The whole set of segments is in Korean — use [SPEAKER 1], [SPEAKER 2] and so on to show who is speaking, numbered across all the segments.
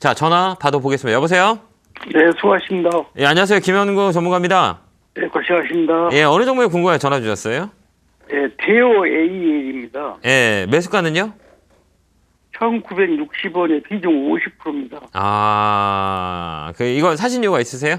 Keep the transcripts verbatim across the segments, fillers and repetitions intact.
[SPEAKER 1] 자, 전화 받아보겠습니다. 여보세요?
[SPEAKER 2] 네, 수고하십니다.
[SPEAKER 1] 예, 안녕하세요. 김현구 전문가입니다.
[SPEAKER 2] 네, 고생하십니다.
[SPEAKER 1] 예, 어느 종목에 궁금해 전화 주셨어요?
[SPEAKER 2] 네, 대오 에이엘입니다.
[SPEAKER 1] 예, 매수가는요?
[SPEAKER 2] 천구백육십 원에 비중 오십 퍼센트입니다.
[SPEAKER 1] 아, 그, 이거 사신 이유가 있으세요?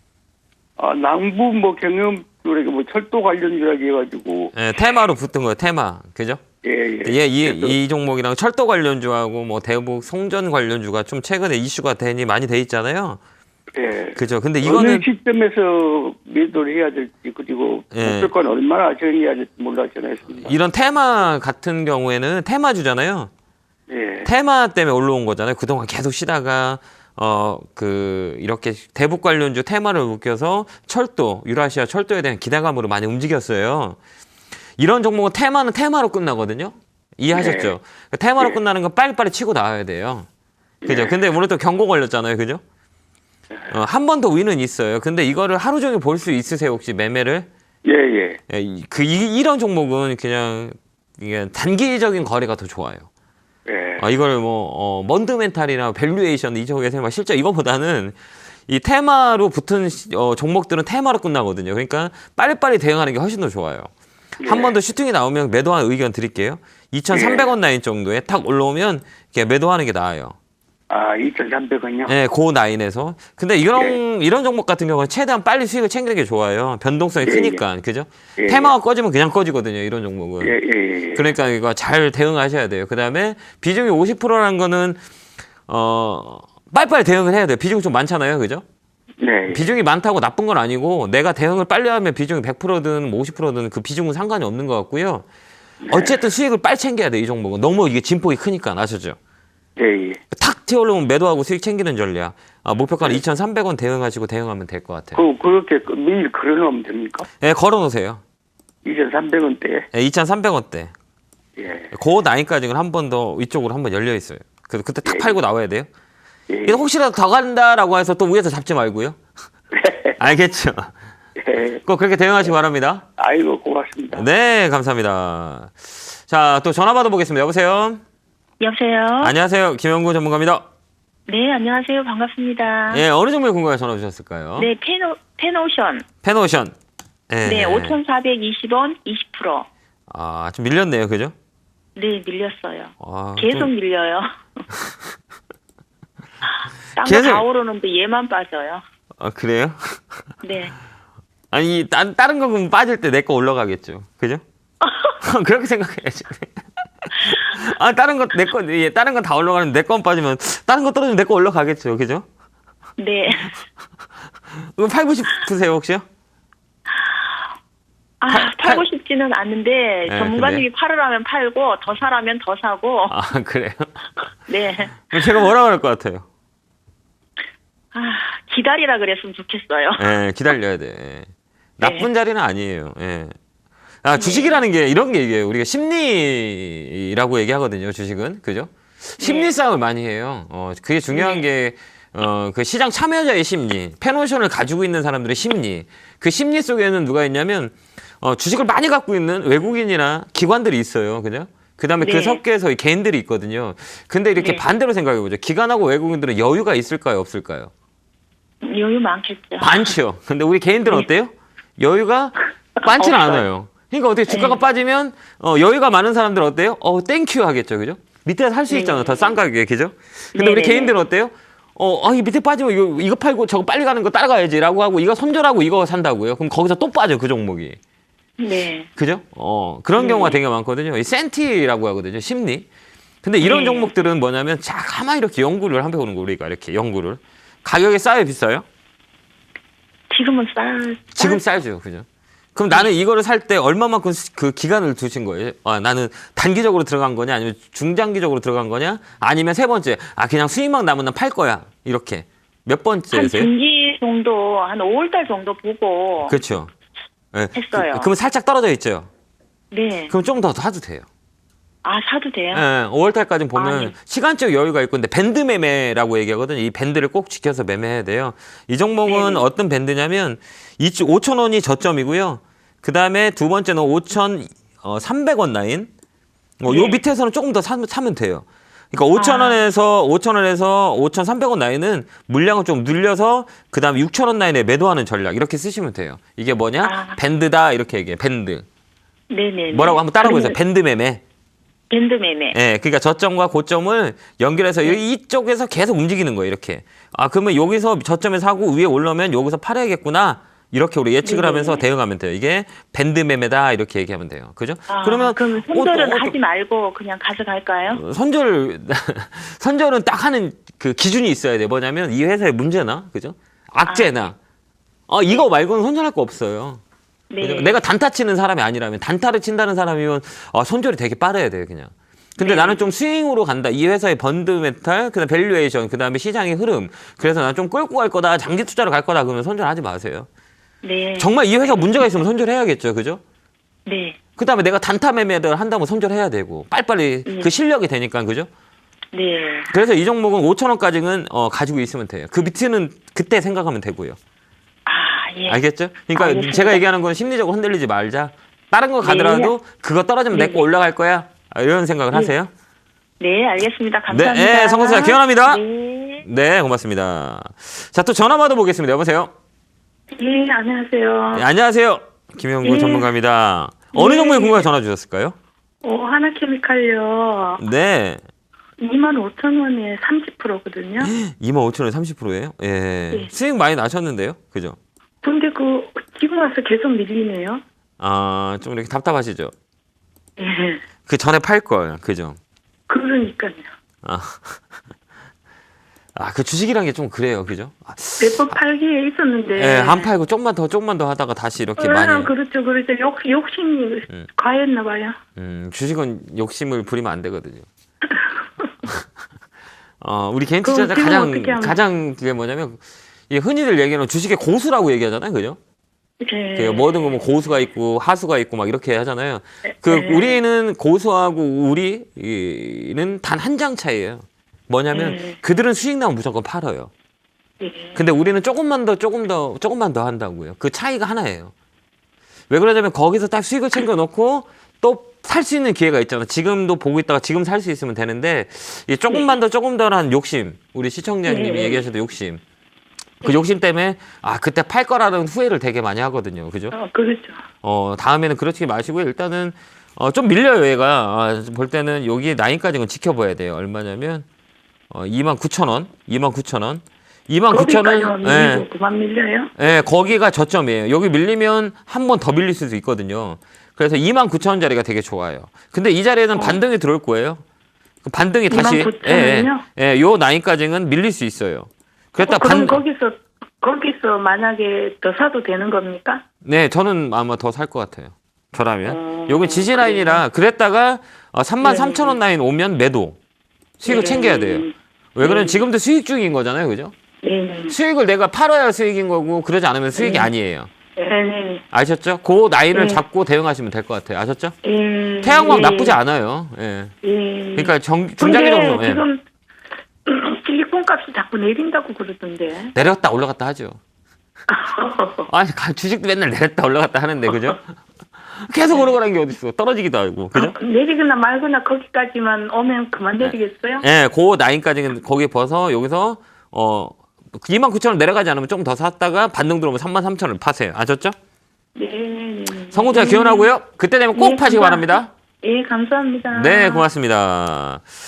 [SPEAKER 2] 아, 남부 뭐 경영, 그러니까 뭐 철도 관련주라고 해가지고.
[SPEAKER 1] 예, 테마로 붙은 거예요, 테마. 그죠?
[SPEAKER 2] 예, 예.
[SPEAKER 1] 예, 이,
[SPEAKER 2] 그래서,
[SPEAKER 1] 이 종목이랑 철도 관련주하고 뭐 대북 송전 관련주가 좀 최근에 이슈가 되니 많이 돼 있잖아요.
[SPEAKER 2] 예.
[SPEAKER 1] 그죠? 근데
[SPEAKER 2] 어느
[SPEAKER 1] 이거는
[SPEAKER 2] 시점에서 매도를 해야 될지, 그리고
[SPEAKER 1] 예.
[SPEAKER 2] 목표가는 얼마나 정해야 될지 몰라 전화했습니다.
[SPEAKER 1] 이런 테마 같은 경우에는 테마주잖아요.
[SPEAKER 2] 예.
[SPEAKER 1] 테마 때문에 올라온 거잖아요. 그동안 계속 쉬다가 어 그 이렇게 대북 관련주 테마를 묶여서 철도, 유라시아 철도에 대한 기대감으로 많이 움직였어요. 이런 종목은 테마는 테마로 끝나거든요. 이해하셨죠?
[SPEAKER 2] 네.
[SPEAKER 1] 테마로
[SPEAKER 2] 네.
[SPEAKER 1] 끝나는 건 빨리빨리 치고 나와야 돼요. 그죠?
[SPEAKER 2] 네.
[SPEAKER 1] 근데 오늘 또 경고 걸렸잖아요. 그죠? 어, 한 번 더 위는 있어요. 근데 이거를 하루 종일 볼 수 있으세요? 혹시 매매를?
[SPEAKER 2] 예, 예.
[SPEAKER 1] 예, 이- 그 이, 이런 종목은 그냥 이게 단기적인 거래가 더 좋아요.
[SPEAKER 2] 예.
[SPEAKER 1] 아, 이걸 뭐, 어, 먼드멘탈이나 밸류에이션 이쪽에서 막 실제 이거보다는 이 테마로 붙은 시- 어, 종목들은 테마로 끝나거든요. 그러니까 빨리빨리 대응하는 게 훨씬 더 좋아요. 한 번 더 슈팅이 나오면 매도하는 의견 드릴게요. 이천삼백 원 라인 정도에 탁 올라오면 이렇게 매도하는 게 나아요.
[SPEAKER 2] 아, 이천삼백 원요?
[SPEAKER 1] 네, 고 라인에서. 근데 이런, 이런 종목 같은 경우는 최대한 빨리 수익을 챙기는 게 좋아요. 변동성이
[SPEAKER 2] 예,
[SPEAKER 1] 크니까. 그죠?
[SPEAKER 2] 예,
[SPEAKER 1] 테마가 꺼지면 그냥 꺼지거든요. 이런 종목은.
[SPEAKER 2] 예, 예, 예.
[SPEAKER 1] 그러니까 이거 잘 대응하셔야 돼요. 그 다음에 비중이 오십 퍼센트라는 거는, 어, 빨리빨리 대응을 해야 돼요. 비중이 좀 많잖아요. 그죠?
[SPEAKER 2] 네.
[SPEAKER 1] 비중이 많다고 나쁜 건 아니고, 내가 대응을 빨리 하면 비중이 백 퍼센트든 뭐 오십 퍼센트든 그 비중은 상관이 없는 것 같고요. 어쨌든 수익을 빨리 챙겨야 돼. 이 종목은. 너무 이게 진폭이 크니까. 아시죠?
[SPEAKER 2] 예, 예.
[SPEAKER 1] 탁 튀어올라오면 매도하고 수익 챙기는 전략. 아, 목표가는 이천삼백 원 대응하시고 대응하면 될 것 같아요.
[SPEAKER 2] 그, 그렇게 그 매일 걸어놓으면 됩니까?
[SPEAKER 1] 예, 걸어놓으세요.
[SPEAKER 2] 이천삼백 원대.
[SPEAKER 1] 예, 이천삼백 원대.
[SPEAKER 2] 예.
[SPEAKER 1] 그 라인까지는 한 번 더 위쪽으로 한번 열려 있어요. 그래서 그때 탁 팔고 나와야 돼요.
[SPEAKER 2] 예.
[SPEAKER 1] 이거 혹시라도 더 간다라고 해서 또 위에서 잡지 말고요. 알겠죠?
[SPEAKER 2] 예.
[SPEAKER 1] 꼭 그렇게 대응하시기 바랍니다.
[SPEAKER 2] 아이고, 고맙습니다.
[SPEAKER 1] 네, 감사합니다. 자, 또 전화 받아보겠습니다. 여보세요?
[SPEAKER 3] 여보세요?
[SPEAKER 1] 안녕하세요. 김영구 전문가입니다.
[SPEAKER 3] 네, 안녕하세요. 반갑습니다.
[SPEAKER 1] 예, 어느 종목에 궁금해 전화 주셨을까요?
[SPEAKER 3] 네, 페노, 페노션.
[SPEAKER 1] 페노션. 예.
[SPEAKER 3] 네, 오천사백이십 원, 이십 퍼센트.
[SPEAKER 1] 아, 좀 밀렸네요. 그죠?
[SPEAKER 3] 네, 밀렸어요.
[SPEAKER 1] 아,
[SPEAKER 3] 계속
[SPEAKER 1] 좀-
[SPEAKER 3] 밀려요. 딴 거
[SPEAKER 1] 계속-
[SPEAKER 3] 다 오르는데 얘만 빠져요.
[SPEAKER 1] 아, 그래요?
[SPEAKER 3] 네.
[SPEAKER 1] 아니, 딴, 다른 거 그럼 빠질 때 내 거 올라가겠죠. 그죠? 그렇게 생각해야지. 아, 다른 거, 내 거, 예, 다른 건 다 올라가는데 내 건 빠지면, 다른 거 떨어지면 내 거 올라가겠죠. 그죠?
[SPEAKER 3] 네.
[SPEAKER 1] 그럼 팔고 싶으세요, 혹시요?
[SPEAKER 3] 아,
[SPEAKER 1] 팔-
[SPEAKER 3] 팔고 싶지는 않은데
[SPEAKER 1] 네,
[SPEAKER 3] 전문가님이 팔으라면 팔고 더 사라면 더 사고.
[SPEAKER 1] 아, 그래요?
[SPEAKER 3] 네.
[SPEAKER 1] 그럼 제가 뭐라 그럴 것 같아요?
[SPEAKER 3] 아, 기다리라 그랬으면 좋겠어요.
[SPEAKER 1] 예, 기다려야 돼. 예. 나쁜 자리는 아니에요. 예. 아, 주식이라는 게 이런 게 이게 우리가 심리라고 얘기하거든요, 주식은. 그죠? 심리
[SPEAKER 3] 네.
[SPEAKER 1] 싸움을 많이 해요. 어, 그게 중요한 게, 어, 그 시장 참여자의 심리, 페노션을 가지고 있는 사람들의 심리. 그 심리 속에는 누가 있냐면, 어, 주식을 많이 갖고 있는 외국인이나 기관들이 있어요. 그죠? 그 다음에 그
[SPEAKER 3] 네.
[SPEAKER 1] 섞여서 이 개인들이 있거든요. 근데 이렇게
[SPEAKER 3] 네.
[SPEAKER 1] 반대로 생각해 보죠. 기관하고 외국인들은 여유가 있을까요? 없을까요?
[SPEAKER 3] 여유 많겠죠.
[SPEAKER 1] 많죠. 근데 우리 개인들은
[SPEAKER 3] 네.
[SPEAKER 1] 어때요? 여유가 많지는
[SPEAKER 3] 없어요.
[SPEAKER 1] 않아요. 그러니까 어떻게 주가가
[SPEAKER 3] 네.
[SPEAKER 1] 빠지면 어, 여유가 많은 사람들은 어때요? 어, 땡큐 하겠죠. 그죠? 밑에서 살 수
[SPEAKER 3] 네.
[SPEAKER 1] 있잖아. 더 싼 가격에. 그죠? 근데
[SPEAKER 3] 네,
[SPEAKER 1] 우리
[SPEAKER 3] 네,
[SPEAKER 1] 개인들은 어때요? 어, 아, 이 밑에 빠지면 이거, 이거 팔고 저거 빨리 가는 거 따라가야지라고 하고 이거 손절하고 이거 산다고요. 그럼 거기서 또 빠져. 그 종목이.
[SPEAKER 3] 네.
[SPEAKER 1] 그죠? 어, 그런
[SPEAKER 3] 네.
[SPEAKER 1] 경우가 되게 많거든요. 이 센티라고 하거든요. 심리. 근데 이런
[SPEAKER 3] 네.
[SPEAKER 1] 종목들은 뭐냐면 자, 가만히 이렇게 연구를 한번 해보는 거 우리가 이렇게 연구를. 가격이 싸요, 비싸요?
[SPEAKER 3] 지금은 쌀.
[SPEAKER 1] 지금 싸죠, 그죠? 그럼 나는 이거를 살 때 얼마만큼 수- 그 기간을 두신 거예요? 아, 나는 단기적으로 들어간 거냐, 아니면 중장기적으로 들어간 거냐, 아니면 세 번째, 아, 그냥 수익만 남으면 날 팔 거야. 이렇게. 몇
[SPEAKER 3] 한
[SPEAKER 1] 번째세요?
[SPEAKER 3] 분기 정도, 한 오월달 정도 보고.
[SPEAKER 1] 그렇죠. 예.
[SPEAKER 3] 했어요.
[SPEAKER 1] 그, 그러면 살짝 떨어져 있죠?
[SPEAKER 3] 네.
[SPEAKER 1] 그럼 좀 더 사도 돼요.
[SPEAKER 3] 아, 사도 돼요?
[SPEAKER 1] 예, 오월달까지 보면
[SPEAKER 3] 아, 네.
[SPEAKER 1] 시간적 여유가 있고, 근데 밴드 매매라고 얘기하거든요. 이 밴드를 꼭 지켜서 매매해야 돼요. 이 종목은
[SPEAKER 3] 네.
[SPEAKER 1] 어떤 밴드냐면, 오천 원이 저점이고요. 그 다음에 두 번째는 오천삼백 원 라인. 어, 요
[SPEAKER 3] 네.
[SPEAKER 1] 밑에서는 조금 더 사, 사면 돼요. 그러니까 오천 원에서 오천 원에서 오천삼백 원 라인은 물량을 좀 늘려서 그다음에 육천 원 라인에 매도하는 전략 이렇게 쓰시면 돼요. 이게 뭐냐?
[SPEAKER 3] 아.
[SPEAKER 1] 밴드다 이렇게 얘기해. 밴드.
[SPEAKER 3] 네네.
[SPEAKER 1] 뭐라고 한번 따라 보세요. 밴드 매매.
[SPEAKER 3] 밴드 매매.
[SPEAKER 1] 예, 그러니까 저점과 고점을 연결해서 이쪽에서 계속 움직이는 거예요. 이렇게. 아, 그러면 여기서 저점에 사고 위에 올라오면 여기서 팔아야겠구나. 이렇게 우리 예측을
[SPEAKER 3] 네네.
[SPEAKER 1] 하면서 대응하면 돼요. 이게 밴드 매매다 이렇게 얘기하면 돼요. 그죠?
[SPEAKER 3] 아,
[SPEAKER 1] 그러면
[SPEAKER 3] 그럼 손절은
[SPEAKER 1] 어, 어,
[SPEAKER 3] 하지 말고 그냥 가져갈까요?
[SPEAKER 1] 선절 선절은 딱 하는 그 기준이 있어야 돼. 뭐냐면 이 회사의 문제나 그죠? 악재나 어 이거 말고는 선절할 거 없어요.
[SPEAKER 3] 네.
[SPEAKER 1] 그죠? 내가 단타 치는 사람이 아니라면 단타를 친다는 사람이면 어, 손절이 되게 빠르야 돼요, 그냥. 근데
[SPEAKER 3] 네.
[SPEAKER 1] 나는 좀 스윙으로 간다. 이 회사의 번드메탈, 그다음 밸류에이션, 그다음에 시장의 흐름. 그래서 난 좀 끌고 갈 거다. 장기 투자로 갈 거다. 그러면 선절하지 마세요.
[SPEAKER 3] 네.
[SPEAKER 1] 정말 이 회사 문제가 있으면 선절해야겠죠, 그죠?
[SPEAKER 3] 네.
[SPEAKER 1] 그다음에 내가 단타 매매를 한다면 선절해야 되고 빨리빨리
[SPEAKER 3] 네.
[SPEAKER 1] 그 실력이 되니까 그죠?
[SPEAKER 3] 네.
[SPEAKER 1] 그래서 이 종목은 오천 원까지는 어, 가지고 있으면 돼요. 그 밑에는 그때 생각하면 되고요.
[SPEAKER 3] 아, 예.
[SPEAKER 1] 알겠죠? 그러니까
[SPEAKER 3] 알겠습니다.
[SPEAKER 1] 제가 얘기하는 건 심리적으로 흔들리지 말자. 다른 거 가더라도 그거 떨어지면 내
[SPEAKER 3] 네.
[SPEAKER 1] 거 올라갈 거야. 아, 이런 생각을 하세요.
[SPEAKER 3] 네, 알겠습니다.
[SPEAKER 1] 네,
[SPEAKER 3] 감사합니다.
[SPEAKER 1] 네, 성공사 기원합니다.
[SPEAKER 3] 네.
[SPEAKER 1] 네, 고맙습니다. 자, 또 전화 받아보겠습니다. 여보세요?
[SPEAKER 3] 예, 안녕하세요.
[SPEAKER 1] 네, 안녕하세요. 김영구
[SPEAKER 3] 네.
[SPEAKER 1] 전문가입니다. 어느
[SPEAKER 3] 네.
[SPEAKER 1] 종목에 궁금해 전화 주셨을까요?
[SPEAKER 3] 어, 하나케미칼요.
[SPEAKER 1] 네.
[SPEAKER 3] 이만 오천 원에 삼십 퍼센트거든요.
[SPEAKER 1] 이만 오천 원에 삼십 퍼센트예요? 예.
[SPEAKER 3] 네.
[SPEAKER 1] 수익 많이 나셨는데요? 그죠?
[SPEAKER 3] 근데 그 지금 와서 계속 밀리네요.
[SPEAKER 1] 아, 좀 이렇게 답답하시죠?
[SPEAKER 3] 예.
[SPEAKER 1] 그 전에 팔 걸. 그죠?
[SPEAKER 3] 그러니까요.
[SPEAKER 1] 아. 아, 그 주식이란 게 좀 그래요. 그죠? 아,
[SPEAKER 3] 몇 번 팔기에 있었는데.
[SPEAKER 1] 예, 안 팔고 조금만 더, 조금만 더 하다가 다시 이렇게
[SPEAKER 3] 아,
[SPEAKER 1] 많이.
[SPEAKER 3] 그렇죠, 그렇죠. 욕, 욕심이
[SPEAKER 1] 음.
[SPEAKER 3] 과했나 봐요.
[SPEAKER 1] 음, 주식은 욕심을 부리면 안 되거든요. 어, 우리 개인
[SPEAKER 3] 그럼
[SPEAKER 1] 투자자
[SPEAKER 3] 지금
[SPEAKER 1] 가장,
[SPEAKER 3] 어떻게 하면-
[SPEAKER 1] 가장 그게 뭐냐면, 이 흔히들 얘기하는 주식의 고수라고 얘기하잖아요. 그죠?
[SPEAKER 3] 네.
[SPEAKER 1] 그 뭐든 뭐 고수가 있고 하수가 있고 막 이렇게 하잖아요. 그
[SPEAKER 3] 네.
[SPEAKER 1] 우리는 고수하고 우리는 단 한 장 차이예요. 뭐냐면
[SPEAKER 3] 네.
[SPEAKER 1] 그들은 수익 나면 무조건 팔아요.
[SPEAKER 3] 예.
[SPEAKER 1] 근데 우리는 조금만 더 조금 더 조금만 더 한다고요. 그 차이가 하나예요. 왜 그러냐면 거기서 딱 수익을 챙겨 놓고 또 살 수 있는 기회가 있잖아. 지금도 보고 있다가 지금 살 수 있으면 되는데 이 조금만 더 조금 더란 욕심. 우리 시청자님이
[SPEAKER 3] 네.
[SPEAKER 1] 얘기하셔도 욕심. 그 욕심 때문에 아 그때 팔 거라는 후회를 되게 많이 하거든요. 그죠?
[SPEAKER 3] 어, 그렇죠.
[SPEAKER 1] 어 다음에는 그렇지 마시고 일단은 어, 좀 밀려요 얘가. 아, 볼 때는 여기 라인까지는 지켜봐야 돼요. 얼마냐면 어, 이만 구천 원, 이만 구천 원, 이만 구천 원.
[SPEAKER 3] 거기까지만
[SPEAKER 1] 예,
[SPEAKER 3] 밀리고 그만 밀려요?
[SPEAKER 1] 예, 거기가 저점이에요. 여기 밀리면 한 번 더 밀릴 수도 있거든요. 그래서 이만 구천 원짜리가 되게 좋아요. 근데 이 자리에는 반등이 들어올 거예요. 그 반등이 다시
[SPEAKER 3] 이만 구천 원이요?
[SPEAKER 1] 예, 예, 요 라인까지는 밀릴 수 있어요. 그랬다
[SPEAKER 3] 어, 그럼
[SPEAKER 1] 반
[SPEAKER 3] 거기서 거기서 만약에 더 사도 되는 겁니까?
[SPEAKER 1] 네, 저는 아마 더 살 것 같아요. 저라면.
[SPEAKER 3] 어,
[SPEAKER 1] 여기 지지 라인이라 그랬다가 어, 삼만 삼천 원 라인 오면 매도. 수익을
[SPEAKER 3] 네.
[SPEAKER 1] 챙겨야 돼요. 왜 그러면 지금도 수익 중인 거잖아요. 그죠?
[SPEAKER 3] 네네.
[SPEAKER 1] 수익을 내가 팔아야 수익인 거고 그러지 않으면 수익이
[SPEAKER 3] 네.
[SPEAKER 1] 아니에요.
[SPEAKER 3] 네네.
[SPEAKER 1] 아셨죠? 그 라인을
[SPEAKER 3] 네.
[SPEAKER 1] 잡고 대응하시면 될 것 같아요. 아셨죠?
[SPEAKER 3] 예.
[SPEAKER 1] 태양광
[SPEAKER 3] 예.
[SPEAKER 1] 나쁘지 않아요. 예.
[SPEAKER 3] 예.
[SPEAKER 1] 그러니까 정, 중장기
[SPEAKER 3] 근데
[SPEAKER 1] 정도 예.
[SPEAKER 3] 지금 실리콘 값이 자꾸 내린다고 그러던데.
[SPEAKER 1] 내렸다 올라갔다 하죠. 아니 가- 주식도 맨날 내렸다 올라갔다 하는데 그죠? 계속 오르고란 게 어딨어. 떨어지기도 하고 그죠?
[SPEAKER 3] 내리거나 말거나 거기까지만 오면 그만 내리겠어요?
[SPEAKER 1] 예, 그 라인까지는 거기 벗어 여기서 어 이만 구천 원 내려가지 않으면 좀 더 샀다가 반등 들어오면 삼만 삼천 원을 파세요. 아셨죠?
[SPEAKER 3] 네. 네.
[SPEAKER 1] 성공자 기원하고요. 그때 되면 꼭
[SPEAKER 3] 네,
[SPEAKER 1] 파시기
[SPEAKER 3] 감사-
[SPEAKER 1] 바랍니다.
[SPEAKER 3] 예, 감사합니다.
[SPEAKER 1] 네, 고맙습니다.